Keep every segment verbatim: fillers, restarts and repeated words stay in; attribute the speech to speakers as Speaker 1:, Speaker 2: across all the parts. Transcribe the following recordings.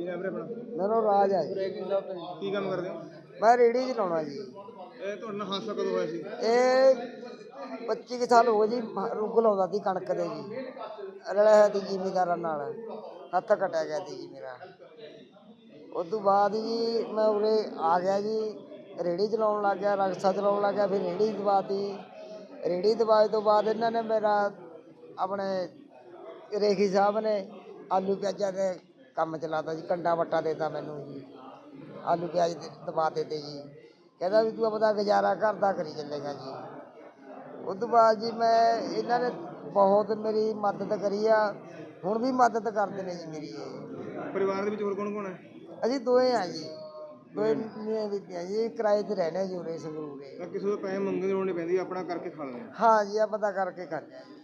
Speaker 1: ਕੀ ਨਾਮ ਹੈ ਆਪਣਾ?
Speaker 2: ਮੇਰਾ ਰਾਜ ਹੈ ਜੀ।
Speaker 1: ਕੀ ਕੰਮ ਕਰਦੇ ਹੋ?
Speaker 2: ਮੈਂ ਰੇਹੜੀ ਚਲਾਉਣਾ ਜੀ।
Speaker 1: ਇਹ ਤੁਹਾਡੇ ਨਾਲ ਹਾਦਸਾ ਕਦੋਂ ਹੋਇਆ ਸੀ?
Speaker 2: ਇਹ ਪੱਚੀ ਕੁ ਸਾਲ ਹੋ ਗਏ ਜੀ। ਰੁੱਗ ਲਾਉਂਦਾ ਸੀ ਕਣਕ ਦੇ ਜੀ, ਰਲਿਆ ਸੀ ਜ਼ਿਮੀਂਦਾਰਾਂ ਨਾਲ, ਹੱਥ ਕਟਿਆ ਗਿਆ ਸੀ ਜੀ ਮੇਰਾ। ਉਸ ਤੋਂ ਬਾਅਦ ਜੀ ਮੈਂ ਉਰੇ ਆ ਗਿਆ ਜੀ, ਰੇਹੜੀ ਚਲਾਉਣ ਲੱਗ ਗਿਆ, ਰਕਸ਼ਾ ਚਲਾਉਣ ਲੱਗ ਗਿਆ। ਫਿਰ ਰੇਹੜੀ ਦਬਾਤੀ। ਰੇਹੜੀ ਦਬਾਏ ਤੋਂ ਬਾਅਦ ਇਹਨਾਂ ਨੇ ਮੇਰਾ ਆਪਣੇ ਰੇਖੀ ਸਾਹਿਬ ਨੇ ਆਲੂ ਪਿਆਜ਼ਾਂ ਦੇ ਕੰਮ ਚਲਾਤਾ ਜੀ, ਕੰਡਾ ਵੱਟਾ ਦੇਤਾ ਮੈਨੂੰ ਜੀ, ਆਲੂ ਪਿਆਜ਼ ਦਬਾ ਦਿੱਤੇ ਜੀ। ਕਹਿੰਦਾ ਵੀ ਤੂੰ ਆਪਣਾ ਗੁਜ਼ਾਰਾ ਘਰ ਦਾ ਕਰੀ ਚੱਲੇਗਾ ਜੀ। ਉਸ ਤੋਂ ਬਾਅਦ ਜੀ ਮੈਂ ਇਹਨਾਂ ਨੇ ਬਹੁਤ ਮੇਰੀ ਮਦਦ ਕਰੀ ਆ, ਹੁਣ ਵੀ ਮਦਦ ਕਰਦੇ ਨੇ ਜੀ ਮੇਰੀ। ਇਹ
Speaker 1: ਪਰਿਵਾਰ ਦੇ ਵਿੱਚ ਹੋਰ ਕੌਣ ਕੌਣ ਹੈ?
Speaker 2: ਅਸੀਂ ਦੋਏ ਆ ਜੀ, ਦੋਏ ਮੀਆਂ ਬੀਬੀਆਂ ਜੀ, ਕਿਰਾਏ 'ਤੇ ਰਹਿੰਦੇ ਜੀ ਉਰੇ ਸੰਗਰੂਰੇ।
Speaker 1: ਤਾਂ ਕਿਸੇ ਤੋਂ ਪੈਸੇ ਮੰਗਣ ਦੀ ਲੋੜ ਨਹੀਂ ਪੈਂਦੀ, ਆਪਣਾ ਕਰਕੇ ਖਾ ਲੈਂਦੇ ਆ।
Speaker 2: ਹਾਂ ਜੀ, ਆ ਪਤਾ ਕਰਕੇ ਕਰ ਲਿਆ ਜੀ।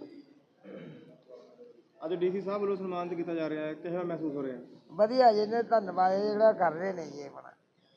Speaker 1: ਅੱਜ ਡੀਸੀ ਸਾਹਿਬ ਵੱਲੋਂ ਸਨਮਾਨਿਤ ਕੀਤਾ ਜਾ ਰਿਹਾ ਹੈ, ਕਿਹੋ ਜਿਹਾ ਮਹਿਸੂਸ ਹੋ ਰਿਹਾ?
Speaker 2: ਵਧੀਆ ਜੀ, ਨੇ ਧੰਨਵਾਦ ਜਿਹੜਾ ਕਰ ਰਹੇ ਨੇ ਜੀ ਆਪਣਾ।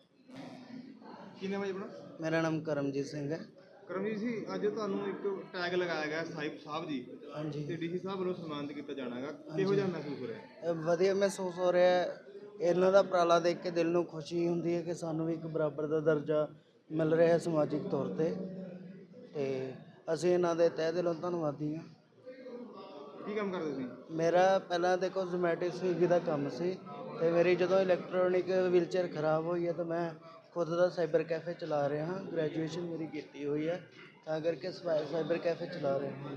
Speaker 1: ਕੀ ਨਾਮ ਹੈ ਜੀ ਆਪਣਾ?
Speaker 3: ਮੇਰਾ ਨਾਮ ਕਰਮਜੀਤ ਸਿੰਘ ਹੈ।
Speaker 1: ਕਰਮਜੀਤ ਜੀ, ਅੱਜ ਤੁਹਾਨੂੰ ਇੱਕ ਟੈਗ ਲਗਾਇਆ ਗਿਆ ਸਾਹਿਬ ਸਾਹਿਬ ਜੀ,
Speaker 3: ਹਾਂਜੀ,
Speaker 1: ਤੇ ਡੀਸੀ ਸਾਹਿਬ ਵੱਲੋਂ ਸਨਮਾਨਿਤ ਕੀਤਾ ਜਾਣਾ ਹੈਗਾ, ਕਿਹੋ ਜਿਹਾ ਮਹਿਸੂਸ ਹੋ ਰਿਹਾ?
Speaker 3: ਇਹ ਵਧੀਆ ਮਹਿਸੂਸ ਹੋ ਰਿਹਾ ਹੈ। ਇਹਨਾਂ ਦਾ ਉਪਰਾਲਾ ਦੇਖ ਕੇ ਦਿਲ ਨੂੰ ਖੁਸ਼ੀ ਹੁੰਦੀ ਹੈ ਕਿ ਸਾਨੂੰ ਵੀ ਇੱਕ ਬਰਾਬਰ ਦਾ ਦਰਜਾ ਮਿਲ ਰਿਹਾ ਹੈ ਸਮਾਜਿਕ ਤੌਰ 'ਤੇ, ਤੇ ਅਸੀਂ ਇਹਨਾਂ ਦੇ ਤਹਿ ਦਿਲੋਂ ਧੰਨਵਾਦੀ ਹਾਂ।
Speaker 1: ਕੀ ਕੰਮ ਕਰਦੇ ਤੁਸੀਂ?
Speaker 3: ਮੇਰਾ ਪਹਿਲਾਂ ਦੇਖੋ ਜ਼ੋਮੈਟੋ ਸਵੀਗੀ ਦਾ ਕੰਮ ਸੀ, ਅਤੇ ਮੇਰੀ ਜਦੋਂ ਇਲੈਕਟ੍ਰੋਨਿਕ ਵੀਲਚੇਅਰ ਖਰਾਬ ਹੋਈ ਹੈ ਤਾਂ ਮੈਂ ਖੁਦ ਦਾ ਸਾਈਬਰ ਕੈਫੇ ਚਲਾ ਰਿਹਾ ਹਾਂ। ਗ੍ਰੈਜੂਏਸ਼ਨ ਮੇਰੀ ਕੀਤੀ ਹੋਈ ਹੈ, ਤਾਂ ਕਰਕੇ ਸਾਈਬਰ ਕੈਫੇ ਚਲਾ ਰਿਹਾ ਹਾਂ।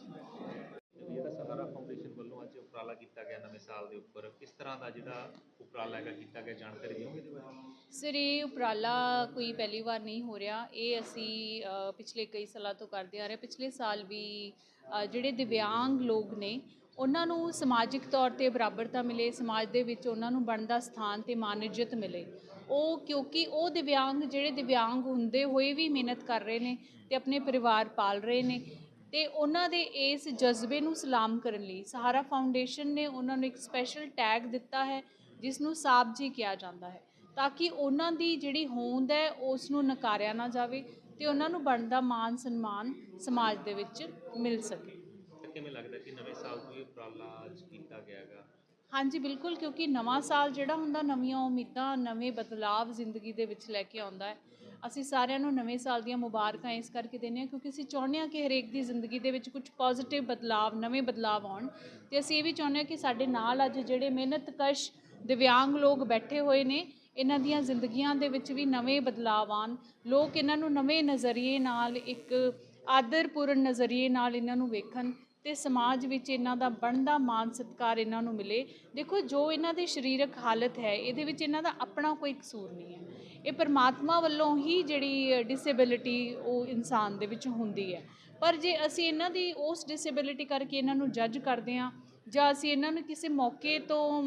Speaker 4: ਜਿਹੜਾ ਸਹਾਰਾ ਫਾਊਂਡੇਸ਼ਨ ਵੱਲੋਂ ਅੱਜ ਉਪਰਾਲਾ ਕੀਤਾ ਗਿਆ ਨਵੇਂ ਸਾਲ ਦੇ ਉੱਪਰ, ਕਿਸ ਤਰ੍ਹਾਂ ਦਾ ਜਿਹੜਾ ਉਪਰਾਲਾ ਹੈਗਾ ਕੀਤਾ ਗਿਆ, ਜਾਣਕਾਰੀ ਦਿਓਗੇ ਇਹਦੇ ਬਾਰੇ?
Speaker 5: ਸਰ, ਇਹ ਉਪਰਾਲਾ ਕੋਈ ਪਹਿਲੀ ਵਾਰ ਨਹੀਂ ਹੋ ਰਿਹਾ। ਇਹ ਅਸੀਂ ਅ, ਪਿਛਲੇ ਕਈ ਸਾਲਾਂ ਤੋਂ ਕਰਦੇ ਆ ਰਹੇ। ਪਿਛਲੇ ਸਾਲ ਵੀ ਅ, ਜਿਹੜੇ ਦਿਵਿਆਂਗ ਲੋਕ ਨੇ ਉਹਨਾਂ ਨੂੰ ਸਮਾਜਿਕ ਤੌਰ 'ਤੇ ਬਰਾਬਰਤਾ ਮਿਲੇ, ਸਮਾਜ ਦੇ ਵਿੱਚ ਉਹਨਾਂ ਨੂੰ ਬਣਦਾ ਸਥਾਨ ਅਤੇ ਮਾਨ ਇੱਜ਼ਤ ਮਿਲੇ। ਉਹ ਕਿਉਂਕਿ ਉਹ ਦਿਵਿਆਂਗ ਜਿਹੜੇ ਦਿਵਿਆਂਗ ਹੁੰਦੇ ਹੋਏ ਵੀ ਮਿਹਨਤ ਕਰ ਰਹੇ ਨੇ ਅਤੇ ਆਪਣੇ ਪਰਿਵਾਰ ਪਾਲ ਰਹੇ ਨੇ, ਅਤੇ ਉਹਨਾਂ ਦੇ ਇਸ ਜਜ਼ਬੇ ਨੂੰ ਸਲਾਮ ਕਰਨ ਲਈ ਸਹਾਰਾ ਫਾਊਂਡੇਸ਼ਨ ਨੇ ਉਹਨਾਂ ਨੂੰ ਇੱਕ ਸਪੈਸ਼ਲ ਟੈਗ ਦਿੱਤਾ ਹੈ, ਜਿਸ ਨੂੰ ਸਾਬ ਜੀ ਕਿਹਾ ਜਾਂਦਾ ਹੈ, ਤਾਂ ਕਿ ਉਹਨਾਂ ਦੀ ਜਿਹੜੀ ਹੋਂਦ ਹੈ ਉਸ ਨੂੰ ਨਕਾਰਿਆ ਨਾ ਜਾਵੇ ਅਤੇ ਉਹਨਾਂ ਨੂੰ ਬਣਦਾ ਮਾਣ ਸਨਮਾਨ ਸਮਾਜ ਦੇ ਵਿੱਚ ਮਿਲ ਸਕੇ।
Speaker 4: ਤਾਂ ਕਿਵੇਂ ਲੱਗਦਾ ਕਿ ਨਵੇਂ ਸਾਲ ਤੋਂ ਇਹ ਉਪਰਾਲਾ ਅੱਜ ਕੀਤਾ ਗਿਆ ਹੈਗਾ?
Speaker 5: ਹਾਂਜੀ ਬਿਲਕੁਲ, ਕਿਉਂਕਿ ਨਵਾਂ ਸਾਲ ਜਿਹੜਾ ਹੁੰਦਾ ਨਵੀਆਂ ਉਮੀਦਾਂ, ਨਵੇਂ ਬਦਲਾਵ ਜ਼ਿੰਦਗੀ ਦੇ ਵਿੱਚ ਲੈ ਕੇ ਆਉਂਦਾ ਹੈ। ਅਸੀਂ ਸਾਰਿਆਂ ਨੂੰ ਨਵੇਂ ਸਾਲ ਦੀਆਂ ਮੁਬਾਰਕਾਂ ਇਸ ਕਰਕੇ ਦਿੰਦੇ ਹਾਂ ਕਿਉਂਕਿ ਅਸੀਂ ਚਾਹੁੰਦੇ ਹਾਂ ਕਿ ਹਰੇਕ ਦੀ ਜ਼ਿੰਦਗੀ ਦੇ ਵਿੱਚ ਕੁਝ ਪੋਜ਼ੀਟਿਵ ਬਦਲਾਵ, ਨਵੇਂ ਬਦਲਾਵ ਆਉਣ, ਅਤੇ ਅਸੀਂ ਇਹ ਵੀ ਚਾਹੁੰਦੇ ਹਾਂ ਕਿ ਸਾਡੇ ਨਾਲ ਅੱਜ ਜਿਹੜੇ ਮਿਹਨਤਕਸ਼ ਦਿਵਿਆਂਗ ਲੋਕ ਬੈਠੇ ਹੋਏ ਨੇ, ਇਹਨਾਂ ਦੀਆਂ ਜ਼ਿੰਦਗੀਆਂ ਦੇ ਵਿੱਚ ਵੀ ਨਵੇਂ ਬਦਲਾਵ ਆਉਣ, ਲੋਕ ਇਹਨਾਂ ਨੂੰ ਨਵੇਂ ਨਜ਼ਰੀਏ ਨਾਲ, ਇੱਕ ਆਦਰਪੂਰਨ ਨਜ਼ਰੀਏ ਨਾਲ ਇਹਨਾਂ ਨੂੰ ਵੇਖਣ, ਅਤੇ ਸਮਾਜ ਵਿੱਚ ਇਹਨਾਂ ਦਾ ਬਣਦਾ ਮਾਣ ਸਤਿਕਾਰ ਇਹਨਾਂ ਨੂੰ ਮਿਲੇ। ਦੇਖੋ, ਜੋ ਇਹਨਾਂ ਦੀ ਸਰੀਰਕ ਹਾਲਤ ਹੈ ਇਹਦੇ ਵਿੱਚ ਇਹਨਾਂ ਦਾ ਆਪਣਾ ਕੋਈ ਕਸੂਰ ਨਹੀਂ ਹੈ, ਇਹ ਪਰਮਾਤਮਾ ਵੱਲੋਂ ਹੀ ਜਿਹੜੀ ਡਿਸੇਬਿਲਿਟੀ ਉਹ ਇਨਸਾਨ ਦੇ ਵਿੱਚ ਹੁੰਦੀ ਹੈ। ਪਰ ਜੇ ਅਸੀਂ ਇਹਨਾਂ ਦੀ ਉਸ ਡਿਸੇਬਿਲਿਟੀ ਕਰਕੇ ਇਹਨਾਂ ਨੂੰ ਜੱਜ ਕਰਦੇ ਹਾਂ, ਜਾਂ ਅਸੀਂ ਇਹਨਾਂ ਨੂੰ ਕਿਸੇ ਮੌਕੇ ਤੋਂ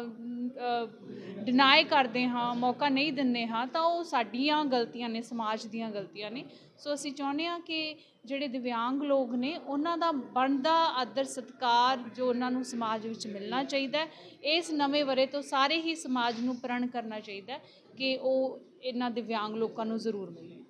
Speaker 5: ਡਿਨਾਈ ਕਰਦੇ ਹਾਂ, ਮੌਕਾ ਨਹੀਂ ਦਿੰਦੇ ਹਾਂ, ਤਾਂ ਉਹ ਸਾਡੀਆਂ ਗਲਤੀਆਂ ਨੇ, ਸਮਾਜ ਦੀਆਂ ਗਲਤੀਆਂ ਨੇ। ਸੋ ਅਸੀਂ ਚਾਹੁੰਦੇ ਹਾਂ ਕਿ ਜਿਹੜੇ ਦਿਵਿਆਂਗ ਲੋਕ ਨੇ ਉਹਨਾਂ ਦਾ ਬਣਦਾ ਆਦਰ ਸਤਿਕਾਰ ਜੋ ਉਹਨਾਂ ਨੂੰ ਸਮਾਜ ਵਿੱਚ ਮਿਲਣਾ ਚਾਹੀਦਾ ਹੈ, ਇਸ ਨਵੇਂ ਵਰ੍ਹੇ ਤੋਂ ਸਾਰੇ ਹੀ ਸਮਾਜ ਨੂੰ ਪ੍ਰਣ ਕਰਨਾ ਚਾਹੀਦਾ ਕਿ ਉਹ ਇਹਨਾਂ ਦਿਵਿਆਂਗ ਲੋਕਾਂ ਨੂੰ ਜ਼ਰੂਰ ਮਿਲੇ।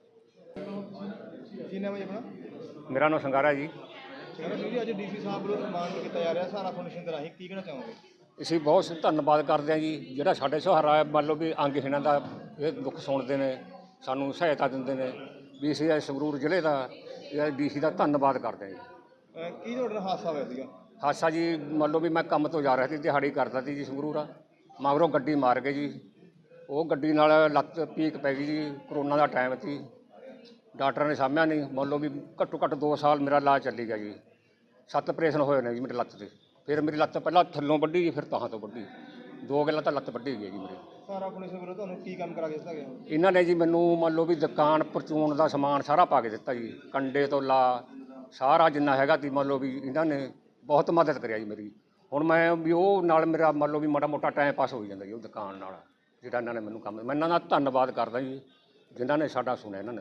Speaker 1: ਕੀ ਨਾਮ ਹੈ ਆਪਣਾ?
Speaker 6: ਮੇਰਾ ਨਾਮ ਸੰਗਾਰਾ ਜੀ।
Speaker 1: ਜੀ, ਅੱਜ ਡੀਸੀ ਸਾਹਿਬ ਵੱਲੋਂ ਸਨਮਾਨਿਤ ਕੀਤਾ ਜਾ ਰਿਹਾ ਸਹਾਰਾ ਫਾਊਂਡੇਸ਼ਨ ਦੇ ਰਾਹੀਂ, ਕੀ ਕਹਿਣਾ ਚਾਹੋਗੇ?
Speaker 6: ਅਸੀਂ ਬਹੁਤ ਧੰਨਵਾਦ ਕਰਦੇ ਹਾਂ ਜੀ, ਜਿਹੜਾ ਸਾਡੇ ਸਹਾਰਾ ਹੈ, ਮੰਨ ਲਓ ਵੀ ਅੰਗਹੀਣਾਂ ਦਾ ਇਹ ਦੁੱਖ ਸੁਣਦੇ ਨੇ, ਸਾਨੂੰ ਸਹਾਇਤਾ ਦਿੰਦੇ ਨੇ, ਵੀ ਅਸੀਂ ਇਹ ਸੰਗਰੂਰ ਜ਼ਿਲ੍ਹੇ ਦਾ ਇਹ ਡੀਸੀ ਦਾ ਧੰਨਵਾਦ ਕਰਦੇ ਹਾਂ ਜੀ।
Speaker 1: ਕੀ ਤੁਹਾਡੇ ਨਾਲ ਹਾਦਸਾ ਹੋਇਆ ਸੀਗਾ?
Speaker 6: ਹਾਦਸਾ ਜੀ, ਮੰਨ ਲਓ ਵੀ ਮੈਂ ਕੰਮ ਤੋਂ ਜਾ ਰਿਹਾ ਸੀ, ਦਿਹਾੜੀ ਕਰਦਾ ਸੀ ਜੀ ਸੰਗਰੂਰ ਆ, ਮਗਰੋਂ ਗੱਡੀ ਮਾਰ ਗਏ ਜੀ। ਉਹ ਗੱਡੀ ਨਾਲ ਲੱਤ ਪੀਕ ਪੈ ਗਈ ਜੀ, ਕਰੋਨਾ ਦਾ ਟਾਈਮ ਸੀ, ਡਾਕਟਰਾਂ ਨੇ ਸਾਂਭਿਆ ਨਹੀਂ। ਮੰਨ ਲਓ ਵੀ ਘੱਟੋ ਘੱਟ ਦੋ ਸਾਲ ਮੇਰਾ ਇਲਾਜ ਚੱਲੀ ਗਿਆ ਜੀ, ਸੱਤ ਆਪਰੇਸ਼ਨ ਹੋਏ ਨੇ ਜੀ ਮੇਰੀ ਲੱਤ 'ਤੇ। ਫਿਰ ਮੇਰੀ ਲੱਤ ਪਹਿਲਾਂ ਥੱਲੋਂ ਵੱਢੀ ਜੀ, ਫਿਰ ਤਾਹਾਂ ਤੋਂ ਵੱਢੀ, ਦੋ ਗੱਲਾਂ ਤਾਂ ਲੱਤ ਵੱਢੀ ਗਈ ਜੀ ਮੇਰੀ।
Speaker 1: ਸਹਾਰਾ ਫਾਊਂਡੇਸ਼ਨ ਵੱਲੋਂ ਤੁਹਾਨੂੰ ਕੀ ਕੰਮ ਕਰਾ ਕੇ ਦਿੱਤਾ ਗਿਆ?
Speaker 6: ਇਹਨਾਂ ਨੇ ਜੀ ਮੈਨੂੰ ਮੰਨ ਲਓ ਵੀ ਦੁਕਾਨ ਪਰਚੂਨ ਦਾ ਸਮਾਨ ਸਾਰਾ ਪਾ ਕੇ ਦਿੱਤਾ ਜੀ, ਕੰਡੇ ਤੋਂ ਲਾ ਸਾਰਾ ਜਿੰਨਾ ਹੈਗਾ ਤੀ, ਮੰਨ ਲਓ ਵੀ ਇਹਨਾਂ ਨੇ ਬਹੁਤ ਮਦਦ ਕਰਿਆ ਜੀ ਮੇਰੀ। ਹੁਣ ਮੈਂ ਵੀ ਉਹ ਨਾਲ ਮੇਰਾ ਮੰਨ ਲਓ ਵੀ ਮਾੜਾ ਮੋਟਾ ਟਾਈਮ ਪਾਸ ਹੋ ਜਾਂਦਾ ਜੀ ਉਹ ਦੁਕਾਨ ਨਾਲ, ਜਿਹੜਾ ਇਹਨਾਂ ਨੇ ਮੈਨੂੰ ਕੰਮ, ਮੈਂ ਇਹਨਾਂ ਦਾ ਧੰਨਵਾਦ ਕਰਦਾ ਜੀ ਜਿਨ੍ਹਾਂ ਨੇ ਸਾਡਾ ਸੁਣਿਆ। ਇਹਨਾਂ ਨੇ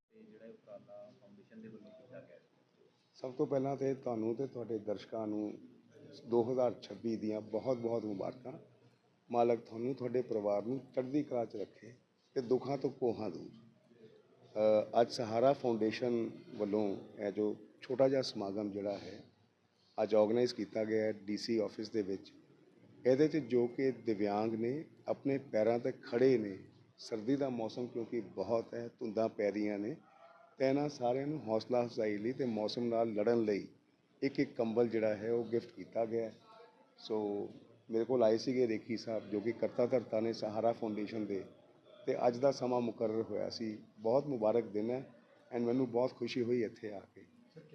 Speaker 7: ਸਭ ਤੋਂ ਪਹਿਲਾਂ ਤਾਂ ਤੁਹਾਨੂੰ ਤੇ ਤੁਹਾਡੇ ਦਰਸ਼ਕਾਂ ਨੂੰ ਦੋ ਹਜ਼ਾਰ ਛੱਬੀ ਦੀਆਂ ਬਹੁਤ ਬਹੁਤ ਮੁਬਾਰਕਾਂ। ਮਾਲਕ ਤੁਹਾਨੂੰ, ਤੁਹਾਡੇ ਪਰਿਵਾਰ ਨੂੰ ਚੜ੍ਹਦੀ ਕਲਾ 'ਚ ਰੱਖੇ ਅਤੇ ਦੁੱਖਾਂ ਤੋਂ ਕੋਹਾਂ ਦੂਰ। ਅੱਜ ਸਹਾਰਾ ਫਾਊਂਡੇਸ਼ਨ ਵੱਲੋਂ ਇਹ ਜੋ ਛੋਟਾ ਜਿਹਾ ਸਮਾਗਮ ਜਿਹੜਾ ਹੈ ਅੱਜ ਆਰਗੇਨਾਈਜ਼ ਕੀਤਾ ਗਿਆ ਹੈ ਡੀਸੀ ਆਫਿਸ ਦੇ ਵਿੱਚ, ਇਹਦੇ 'ਚ ਜੋ ਕਿ ਦਿਵਿਆਂਗ ਨੇ, ਆਪਣੇ ਪੈਰਾਂ 'ਤੇ ਖੜੇ ਨੇ, ਸਰਦੀ ਦਾ ਮੌਸਮ ਕਿਉਂਕਿ ਬਹੁਤ ਹੈ, ਧੁੰਦਾਂ ਪੈ ਰਹੀਆਂ ਨੇ, ਤੇ ਇਹਨਾਂ ਸਾਰਿਆਂ ਨੂੰ ਹੌਸਲਾ ਅਫਜ਼ਾਈ ਲਈ ਤੇ ਮੌਸਮ ਨਾਲ ਲੜਨ ਲਈ ਇੱਕ ਇੱਕ ਕੰਬਲ ਜਿਹੜਾ ਹੈ ਉਹ ਗਿਫਟ ਕੀਤਾ ਗਿਆ। ਸੋ ਮੇਰੇ ਕੋਲ ਆਏ ਸੀਗੇ ਰੇਖੀ ਸਾਹਿਬ ਜੋ ਕਿ ਕਰਤਾ ਧਰਤਾ ਨੇ ਸਹਾਰਾ ਫਾਊਂਡੇਸ਼ਨ ਦੇ, ਤੇ ਅੱਜ ਦਾ ਸਮਾਂ ਮੁਕਰਰ ਹੋਇਆ ਸੀ। ਬਹੁਤ ਮੁਬਾਰਕ ਦਿਨ ਹੈ ਐਂਡ ਮੈਨੂੰ ਬਹੁਤ ਖੁਸ਼ੀ ਹੋਈ ਇੱਥੇ ਆ ਕੇ।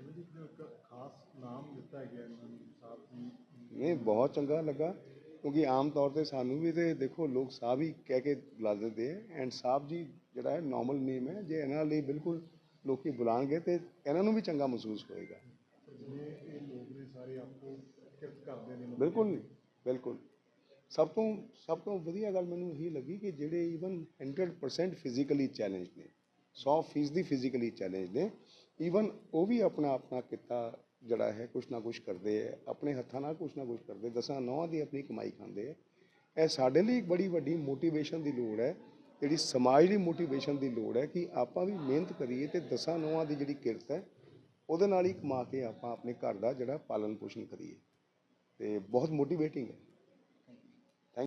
Speaker 7: ਨਹੀਂ, ਬਹੁਤ ਚੰਗਾ ਲੱਗਾ ਕਿਉਂਕਿ ਆਮ ਤੌਰ 'ਤੇ ਸਾਨੂੰ ਵੀ ਤੇ ਦੇਖੋ ਲੋਕ ਸਾਹਿਬ ਹੀ ਕਹਿ ਕੇ ਬੁਲਾ ਦਿੰਦੇ ਹੈ, ਐਂਡ ਸਾਹਿਬ ਜੀ ਜਿਹੜਾ ਹੈ ਨਾਰਮਲ ਨੇਮ ਹੈ। ਜੇ ਇਹਨਾਂ ਲਈ ਬਿਲਕੁਲ ਲੋਕੀ ਬੁਲਾਣਗੇ ਤੇ ਇਹਨਾਂ ਨੂੰ ਵੀ ਚੰਗਾ ਮਹਿਸੂਸ ਹੋਏਗਾ। ਬਿਲਕੁਲ ਬਿਲਕੁਲ ਸਭ ਤੋਂ ਸਭ ਤੋਂ ਵਧੀਆ ਗੱਲ ਮੈਨੂੰ ਇਹੀ ਲੱਗੀ ਕਿ ਜਿਹੜੇ even hundred percent physically challenge ਨੇ, ਸੌ ਫੀਸਦੀ ਫਿਜ਼ੀਕਲੀ ਚੈਲੰਜ ਨੇ, ਈਵਨ ਉਹ ਵੀ ਆਪਣਾ ਆਪਣਾ ਕਿੱਤਾ ਜਿਹੜਾ ਹੈ ਕੁਛ ਨਾ ਕੁਛ ਕਰਦੇ ਹੈ, ਆਪਣੇ ਹੱਥਾਂ ਨਾਲ ਕੁਛ ਨਾ ਕੁਛ ਕਰਦੇ, ਦਸਾਂ ਨੌਹਾਂ ਦੀ ਆਪਣੀ ਕਮਾਈ ਖਾਂਦੇ ਹੈ। ਇਹ ਸਾਡੇ ਲਈ ਇੱਕ ਬੜੀ ਵੱਡੀ ਮੋਟੀਵੇਸ਼ਨ ਦੀ ਲੋੜ ਹੈ, ਜਿਹੜੀ ਸਮਾਜ ਲਈ ਮੋਟੀਵੇਸ਼ਨ ਦੀ ਲੋੜ ਹੈ ਕਿ ਆਪਾਂ ਵੀ ਮਿਹਨਤ ਕਰੀਏ ਤੇ ਦਸਾਂ ਨੌਹਾਂ ਦੀ ਜਿਹੜੀ ਕਿਰਤ ਹੈ ਉਹਦੇ ਨਾਲ ਹੀ ਕਮਾ ਕੇ ਆਪਾਂ ਆਪਣੇ ਘਰ ਦਾ ਜਿਹੜਾ ਪਾਲਣ ਪੋਸ਼ਣ ਕਰੀਏ, ਤੇ ਬਹੁਤ ਮੋਟੀਵੇਟਿੰਗ ਹੈ।